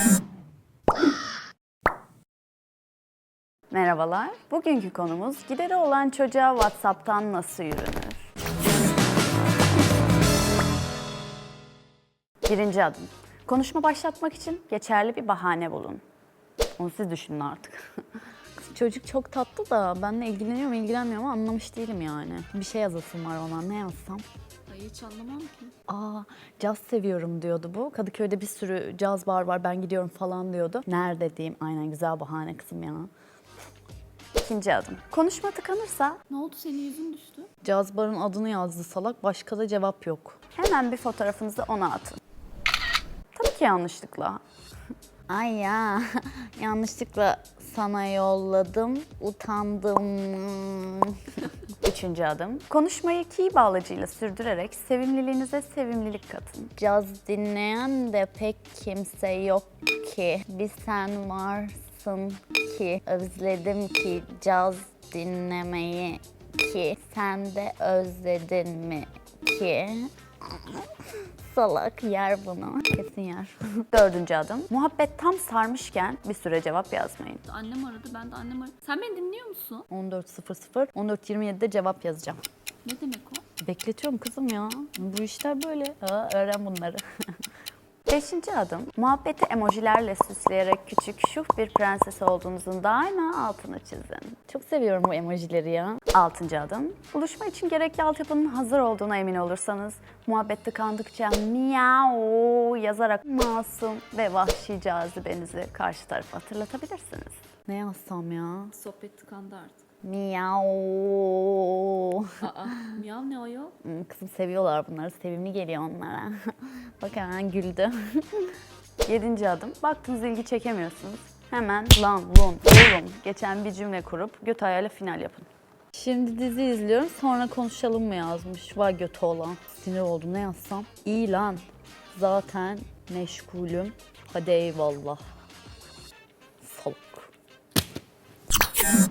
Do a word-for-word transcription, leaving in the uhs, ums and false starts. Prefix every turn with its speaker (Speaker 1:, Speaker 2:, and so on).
Speaker 1: Merhabalar. Bugünkü konumuz gideri olan çocuğa WhatsApp'tan nasıl yürünür? Birinci adım. Konuşma başlatmak için geçerli bir bahane bulun. Onu siz düşünün artık. Çocuk çok tatlı da benimle ilgileniyor mu ilgilenmiyor mu anlamış değilim yani. Bir şey yazasım var ona, ne yazsam?
Speaker 2: Ay hiç anlamam ki.
Speaker 1: Aa, caz seviyorum diyordu bu. Kadıköy'de bir sürü caz bar var, ben gidiyorum falan diyordu. Nerede diyeyim? Aynen, güzel bahane kızım ya. İkinci adım. Konuşma tıkanırsa
Speaker 2: Ne oldu, senin yüzün düştü?
Speaker 1: caz barın adını yazdı salak, başka da cevap yok. Hemen bir fotoğrafınızı ona atın. Tabii ki yanlışlıkla. Ay ya, yanlışlıkla sana yolladım, utandım. Üçüncü adım. Konuşmayı key bağlacıyla sürdürerek sevimliliğinize sevimlilik katın. Caz dinleyen de pek kimse yok ki. Bir sen varsın ki. Özledim ki caz dinlemeyi ki. Sen de özledin mi ki? Salak, yer bunu. Kesin yer. Dördüncü adım. Muhabbet tam sarmışken bir süre cevap yazmayın.
Speaker 2: Annem aradı, ben de annem aradı. Sen beni dinliyor musun?
Speaker 1: on dört sıfır sıfır, on dört yirmi yedi'de cevap yazacağım.
Speaker 2: Ne demek o?
Speaker 1: Bekletiyorum kızım ya. Bu işler böyle. Ha, öğren bunları. Beşinci adım. Muhabbeti emojilerle süsleyerek küçük, şuh bir prenses olduğunuzun daima altını çizin. Çok seviyorum bu emojileri ya. Altıncı adım. Buluşma için gerekli altyapının hazır olduğuna emin olursanız, muhabbet tıkandıkça miau yazarak masum ve vahşi cazibenizi karşı tarafa hatırlatabilirsiniz. Ne yazsam ya?
Speaker 2: Sohbet tıkandı artık.
Speaker 1: Miau.
Speaker 2: Aa, miyav ne o ya?
Speaker 1: Hmm, Kızım seviyorlar bunları. Sevimli geliyor onlara. Bak hemen güldü. Yedinci adım. Baktınız ilgi çekemiyorsunuz. Hemen lan, lun, oğlum geçen bir cümle kurup göt ayağıyla final yapın. Şimdi dizi izliyorum, sonra konuşalım mı yazmış. Vay götü olan. Sinir oldum, ne yazsam? İyi lan. Zaten meşgulüm. Hadi eyvallah. Salak.